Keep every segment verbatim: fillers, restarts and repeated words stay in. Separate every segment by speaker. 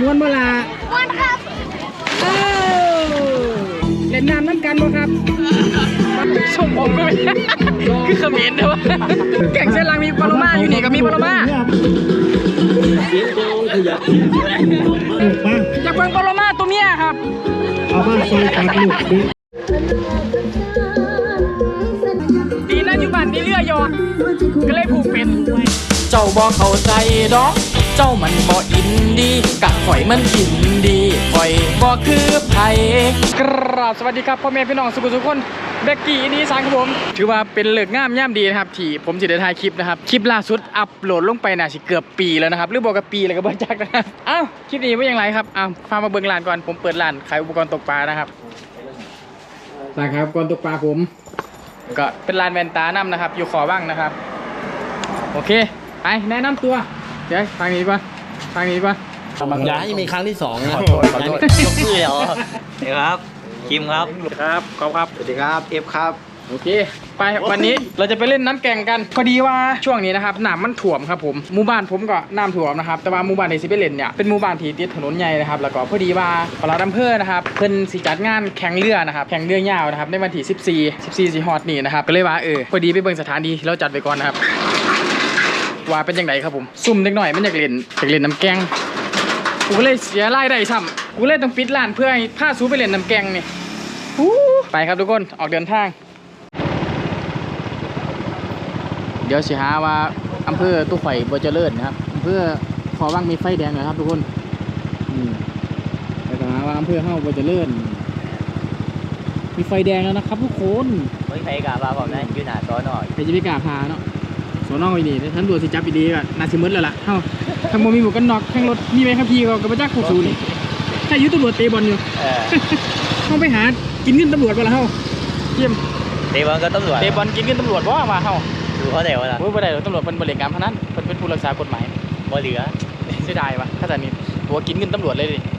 Speaker 1: วนเวลา
Speaker 2: ม้วนครับ
Speaker 1: เอ้าเล่นน้ำน้ำกันบ่ครับส่งผมก็ไม่คือเขมิ้นเด้อแก่งเส้นลังมีปลาโลมาอยู่นี่ก็มีปลาโลมาอยากเบิ่งปลาโลมาตัวเมียครับ
Speaker 3: เอามาซอยกันลูกดิ
Speaker 1: ดีนะอยู่บ้านนี่เรือยอก็เลยผูกเป็น
Speaker 4: เจ้าบ่เข้าใจดอกเจ้ามันบ่อินดีกะข่อยมันอินดีข่อยบ่คือไผ
Speaker 1: กราบสวัสดีครับพ่อแม่พี่น้องสุขทุกคนเบกกี้นี้สางครับผมถือว่าเป็นเลิกงามย่ำดีนะครับที่ผมจะได้ถ่ายคลิปนะครับคลิปล่าสุดอัปโหลดลงไปน่าสิเกือบปีแล้วนะครับหรือบอกกับปีเลยก็บ่จักนะครับอ้าวคลิปนี้ว่าอย่างไรครับอ้าวพามาเบิ่งร้านก่อนผมเปิดร้านขายอุปกรณ์ตกปลานะครับร้านขายอุปกรณ์ตกปลาผมก็เป็นร้านแว่นตาน้ำนะครับอยู่ขอบ้างนะครับโอเคไปแนะนำตัวเดี๋ยวทางนี้ป่ะทางนี้ป่ะ
Speaker 4: ย้ายมีครั้งที่สองนะ
Speaker 1: ขอโทษขอโทษ
Speaker 4: ยกมือเหรอ
Speaker 5: สวัสดีครับคิมครับ
Speaker 1: ครับขอบครับ
Speaker 5: สวัสดีครับเอฟครับ
Speaker 1: โอเคไปวันนี้เราจะไปเล่นน้ำแก่งกันพอดีว่าช่วงนี้นะครับน้ำมันถ่วมครับผมหมู่บ้านผมก็น้ำถ่วมนะครับแต่ว่าหมู่บ้านที่สิไปเล่นเนี่ยเป็นหมู่บ้านที่ติดถนนใหญ่นะครับแล้วก็พอดีว่าปลาดำเภอนะครับเพิ่นสิจัดงานแข่งเรือนะครับแข่งเรือยาวนะครับในวันที่สิบสี่ สิบสี่สิฮอดนี่นะครับก็เลยว่าเออพอดีไปเบิ่งสถานที่เราจัดไปก่อนนะครับว่าเป็นยังไงครับผมซุ่มเล็กหน่อยมันอยากเล่นอยากเล่นน้ำแกงกูเลยเสียรายได้ซ้ำกูเลยต้องปิดร้านเพื่อให้พาซูไปเล่นน้ำแกงนี่ไปครับทุกคนออกเดินทางเดี๋ยวสิหาว่าอำเภอตู้ไข่บัวเจริญนะครับอำเภอขอว่างมีไฟแดงหน่อยครับทุกคนแล้วก็หาว่าอำเภอเฮาบัวเจริญมีไฟแดงแล้วนะครับทุกคน
Speaker 5: ไม่ใครกล้าพาผมนะยืนหน้าซ้อนหน่อย
Speaker 1: ใครจะไม่กล้าพาเนาะสอนออีนี่ท่านดูสิจับอีดีก็น่าสิมืดแล้วล่ะเฮ้าทางโมมีหมวกกันน็อกแข่งรถมีไหมครับพี่ก็กระบะจักรขู่ซูนี่ถ้ายุตำรวจเตะบอลอยู่เข้าไปหากินเงินตำรวจไปแล้วเฮ้าเยี่ยม
Speaker 5: เตะบอลก็ตำรวจ
Speaker 1: เตะบอลกินเงินตำรวจว่ามาเฮ้า
Speaker 5: ดูเขาเดี๋ยวนะ
Speaker 1: โอ้ยบ่ได้หรอกตำรวจเป็นบริการพนันเป็นเป็นผู้รักษากฎหมาย
Speaker 5: บ่เหลือ
Speaker 1: เสียดายวะถ้าแต่นี้ตัวกินเงินตำรวจเลยดิ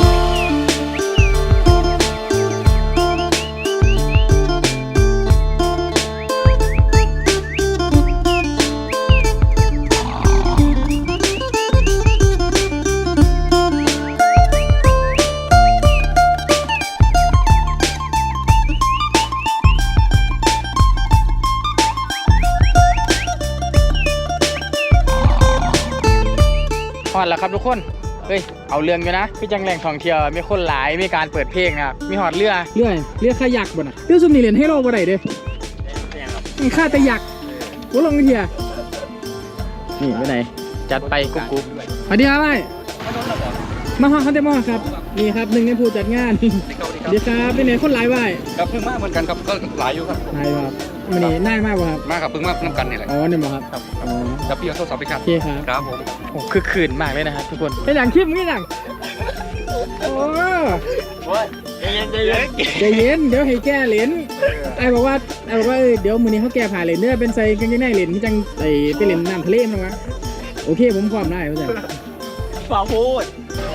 Speaker 1: ฮอดแล้วครับทุกคนเฮ้ยเอาเรื่องอยู่นะพี่จังแหล่งท่องเที่ยวมีคนหลายมีการเปิดเพลงนะครับมีหอดเรือเรือเรือขยักบ่นะเรือซุ่มนี่เล่นให้เราบ่ได้เด้มันฆ่าแต่ยักกูลงเทียนี่ไปไหนจัดไปกุ๊กกุ๊กสวัสดีครับไอ้มาฮอดเขาได้มาครับนี่ครับหนึ่งในผู้จัดงานสวัสดีครับเป็นไหนคนหลายไว้
Speaker 6: ครับเพิ่งมากเหมือนกันครับก็หลายอยู่ครับ
Speaker 1: หลายครับมันนี่น่ามากว่ะครับ
Speaker 6: มากครับเพิ่งมากน้ำกันนี่แหละ
Speaker 1: อ๋อเนี่ยมั้งครับ
Speaker 6: อ๋อกับพี่เอาโทรศัพท์ไปครับ
Speaker 1: โอเคครับ
Speaker 6: ครับผม
Speaker 1: โอ้คือคืนมากเลยนะครับทุกคนเป็นอย่างคลิปนี่อย่างโอ้ใจเย็นใจเย็นใจเย็นเดี๋ยวให้แก้เหรียญไอ้บอกว่าไอ้บอกว่าเดี๋ยวมือนี้เขาแก้ผ่าเหรียญเนี่ยเป็นใส่กางเกงในเหรียญที่จังใส่ไปเหรียญน้ำทะเลมั้งวะโอเคผมความได้เข้าใจ
Speaker 5: ฝ่าพูด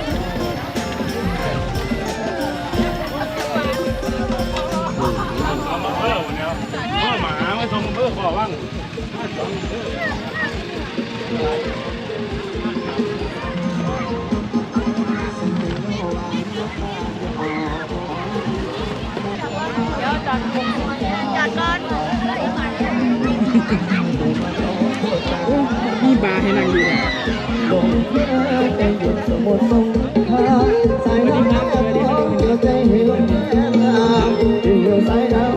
Speaker 6: หมาไม่ชมเพื่อขอว่าง
Speaker 2: จัดก่อน
Speaker 1: มีบาร์ให้นั่งดูนะสวัสดีครับสวัสดีครับ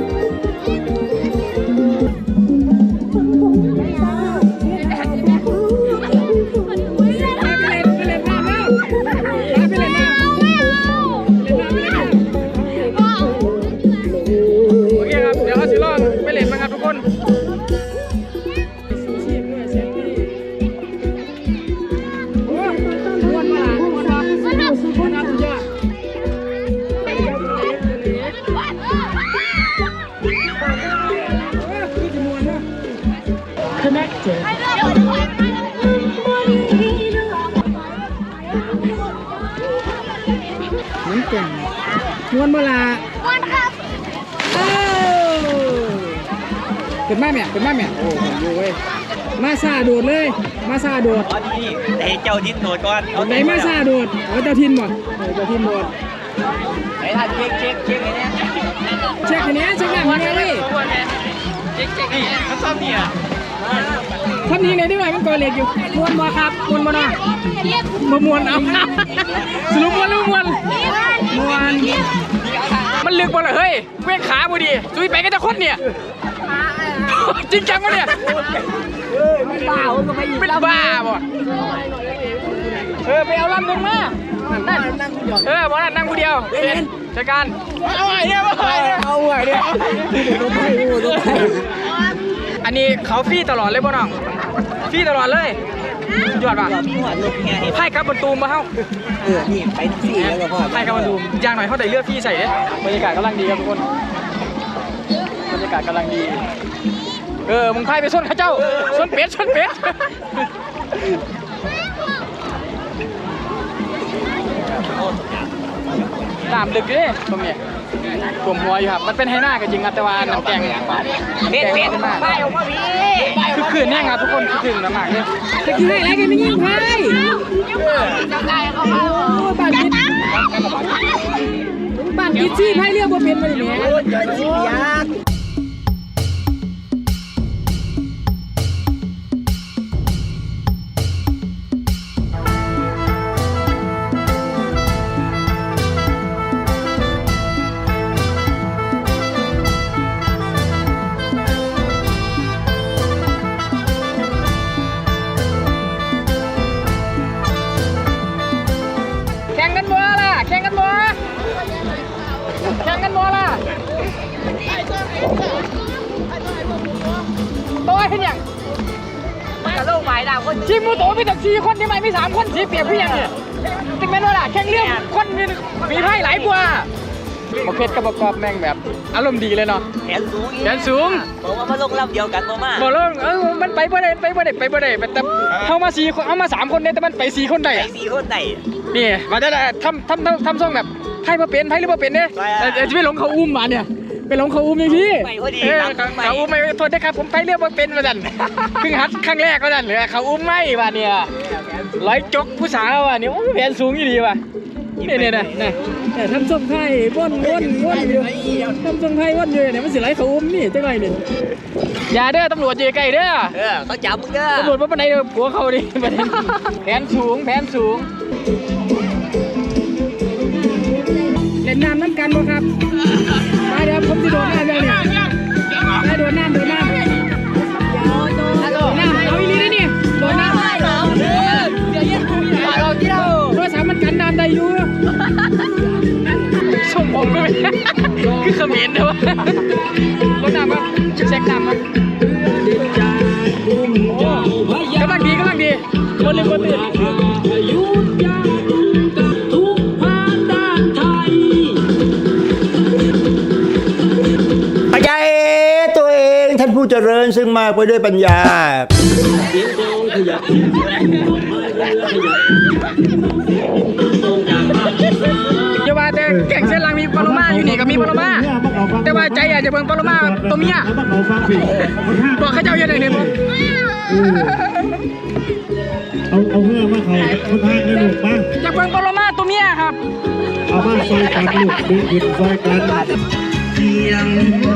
Speaker 1: น้ำแก่งม้วนเวลา
Speaker 2: ม้วนครับ
Speaker 1: เอ้าเป็นแม่แม่เป็นแม่แม่โอ้ยอยู่เว้ยมาซาโดดเลย มาซาโดด
Speaker 5: ตอนนี้แต่เจ้าดิ้นโดดก่อน
Speaker 1: ไหนมาซาโดดเอาเจ้าทินบ่เออเจ้าทินโดด
Speaker 5: ไหนท่านเช็คเช็คเช็คไอ้เนี่ย
Speaker 1: เช็คอันนี้เช็คหน้ามันเลย
Speaker 5: เช็คเช็คนี่เขาชอบเนี่ย
Speaker 1: ทำนี้ไหนได้ไหมมันก่อเหล็กอยู่มวนบ่ครับมวนบ่นะมามวนเอาสรุปมวนหรือมวนมวนมันลึกบ่ล่ะเฮ้ยเว้งขาบ่ดีซุยไปก็จะคดเนี่ยจริงจังวะเนี่ยเป็นบ้าเป็นบ้าบ่เออไปเอาลำนึงมานั่นเออบ่นั่นนั่งผู้เดียวเป็นจัดการเอาไอ้เนี่ยเอาไอ้เนี่ยเอาไอ้เนี่ยอันนี้เขาฟรีตลอดเลยบ่น้องฟรีตลอดเลยยอดป่ะ
Speaker 5: มีหัวลูกไง
Speaker 1: ไพ่กับบนตูมมาเฮ้า
Speaker 5: เออนี่ไปทั้งสี่แล้วก็พ่อ
Speaker 1: ไพ่กับบนตูมอย่างหน่อยเขาได้เลือกฟรีใส่เนี่ยบรรยากาศกำลังดีครับทุกคนบรรยากาศกำลังดีเออมึงไพ่ไปส้นข้าเจ้าส้นเป็ดส้นเป็ดตามลึกดิตรงนี้กลุ่มหัวอยู่ครับมันเป็นไฮหน้ากันจริงครับแต่ว่าน้ำแกงเป็ดเป็ดมากคือคืนแน่ครับทุกคนคือคืนมากเลยจะกินอะไรกันไม่ยิ่งไพ่บ้านกินบ้านกินซี่ไพ่เรียกว่าเป็นมาดิเนี่ยแข่งกันบัวล่ะแข่งกันบัวแข่งกันบัวล่ะตัวเห็นยังมันกับโลกหมายดาวคนชีมูโตมีแต่สี่คนที่ไม่มีสามคนสีเปียกพี่ยังเนี่ยจริงไหมล่ะแข่งเรื่องคนมีมีไพ่หลายกว่าประเภทกับประกอบแม่งแบบอารมณ์ดีเลยเนาะ
Speaker 5: แขนสูง
Speaker 1: แขนสูง
Speaker 5: บอกว่ามาลงลำเดียวกันบ่มา
Speaker 1: บอกแล้วเออมันไปบ่ได้ไปบ่ได้ไปบ่ได้แต่เข้ามาสี่คนเอามาสามคนเนี่ยแต่มันไปสี่คนได้
Speaker 5: ไอ้
Speaker 1: อะ
Speaker 5: สี่คนไหน
Speaker 1: นี่มาได้ทำทำทำทำทรงแบบไพ่มาเป็นไพ่หรือมาเป็นเนี่ยแต่จะไม่หลงเขาอุ้มมาเนี่ยไปหลงเขาอุ้มอย่างพี่เออเขาอุ้มไม่โทษนะครับผมไพ่เรียกว่าเป็นมาดันเพิ่งหัดครั้งแรกมาดันเลยเขาอุ้มไม่ว่ะเนี่ยร้อยจกผู้สาวว่ะเนี่ยโอ้แผนสูงอยู่ดีว่ะเนี่ยเนี่ยเนี่ยเนี่ยทำทรงไพ่ว่นว่นว่นอยู่ทำทรงไพ่ว่นอยู่เนี่ยมันสิไรเขาอุ้มนี่จังไรเนี่ยอย่าเด้อตำรวจอยู่ใกล้เด้อ
Speaker 5: เออเขาจับมึงเด้อ
Speaker 1: ตำรวจว่าปานใดผัวเขาดิแผนสูงแผนสูงเล่นน้ำน้ำกันบ่ครับมาเดี๋ยวผมจะโดดน้ำเดี๋ยวนี้มาโดดน้ำโดดน้ำโดดน้ำเอาอีลีได้นี่โดดน้ำโทรศัพท์มันกันน้ำได้อยู่ส่งผมก็ไม่คือเขมิ้นเด้อวะโดดน้ำมั้ยเช็คน้ำมั้ยกำลังดีกำลังดีบนเลยบนเลย
Speaker 7: ปัญญาเอตัวเองท่านผู้เจริญซึ่งมากไปด้วยปัญญา
Speaker 1: อย่าว่าแต่แก่งเส้นลังมีปลาโลมาอยู่นี่ก็มีปลาโลมาแต่ว่าใจอยากจะเบิ่งปลาโลมาตัวเมียบอกข้าเจ้าอย่างไรเนี่ยผม
Speaker 3: เอาเอาเพื่อมาเขาคนทางในลูกบ้าง
Speaker 1: อยากเบิ่งปลาโลมาตัวเมียครับ
Speaker 3: เอามาซอยกันลูกดึงขึ้นซอยกันเสียง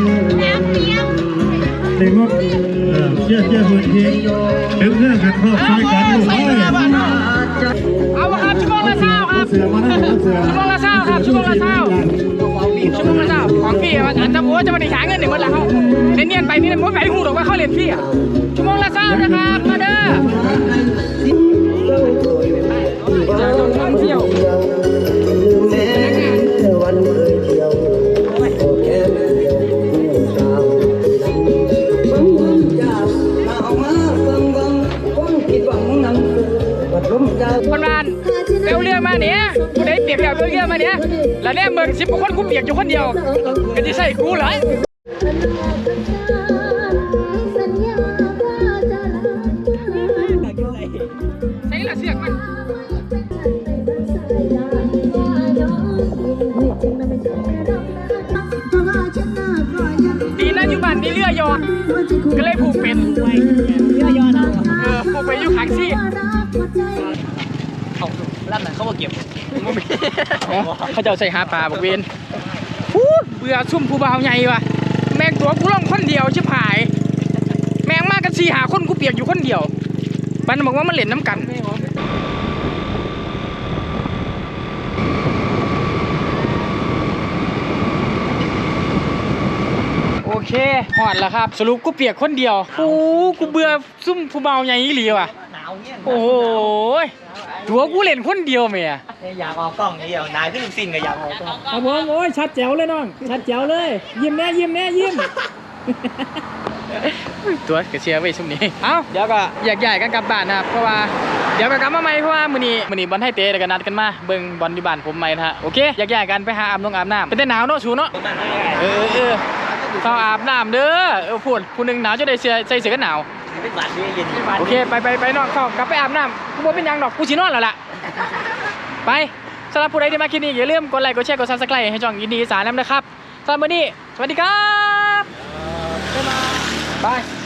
Speaker 3: เด็กว่าเชื่อเชื่อคนทีดึงเรื่องกันครอบซอยกันลูกเอ้ย
Speaker 1: เอามาครับชั่วโมงละเช้าครับ
Speaker 3: เสือมาได้เสือ
Speaker 1: ชั่วโมงละเช้าครับชั่วโมงละเช้าชั่วโมงละเช้าของพี่ว่าอันจะโอ้จะมาได้หาเงินหนึ่งวันละเขาเนียนๆไปนี่มันไม่หูหรอกว่าเขาเรียนพี่อ่ะชั่วโมงละเช้านะครับมาเด้อจะต้องท่องเที่ยวคนบ้านเปลวเรือมาเนี่ยกูได้เปียกแล้วเปลวเรือมาเนี่ยแล้วเนี่ยเมืองสิบกว่าคนกูเปียกอยู่คนเดียวก็จะใส่กูเหรอใส่ละเสียงมันดีนะอยู่บ้านนี่เรือยอก็เลยผูกเป็นเรือยอนะอยู่ขางซี่
Speaker 5: เอาล่ำนั้นเขามาเก็บ
Speaker 1: เขาจะเอาใส่หาปลาบอกเวนฟูดเบื่อซุ่มผู้บ่าวใหญ่ว่ะแม่งตัวกูล่องคนเดียวชิบหายแม่งมากันสี่หาคนกูเปียกอยู่คนเดียวมันบอกว่ามันเล่นน้ำกันโอเคหอดแล้วครับสรุปกูเปียกคนเดียวโอ้กูเบื่อซุ่มผู้บ่าวใหญ่อีหลีว่ะ
Speaker 5: หนาวเนี่ย
Speaker 1: โอ้โหตัวกูเล่นคนเดียวเมีย
Speaker 5: อยากออกกล้องเดียวนายขึ้นสิ้นก็อยากออกกล้อง
Speaker 1: ครับผมโอ้ยชัดแจ๋วเลยน้องชัดแจ๋วเลยยิ้มแน่ยิ้มแน่ยิ้มตัวกระเชียร์ไว้ช่วงนี้เอ้าเดี๋ยวก็แยกย้ายกันกลับบ้านนะครับเพราะว่าเดี๋ยวก็กลับมาใหม่เพราะว่ามื้อนี้มื้อนี้บอลไทยเตะเดี๋ยวก็นัดกันมาเบิ่งบอลที่บ้านผมใหม่นะฮะโอเคแยกย้ายกันไปหาอาบน้ำอาบน้ำเป็นแต่หนาวเนาะชูเนาะเออเออเข้าอาบน้ำเด้อเออพูดผู้หนึงหนาวจะได้เสื้อใส่เสื้อกันหนาว
Speaker 5: เป็นบาดเย็น
Speaker 1: โอเคไปไปไปนอนเข้ากลับไปอาบน้ำกูบ่เป็นหยังดอกกูสินอนแล้วล่ะไปสำหรับผู้ใดที่มาคลิปนี้อย่าลืมกดไลค์กดแชร์กด ซับสไครบ์ ให้ช่องยินดีอีสานนำนะครับสำหรับวันนี้สวัสดีครับบ๊ายบายบาย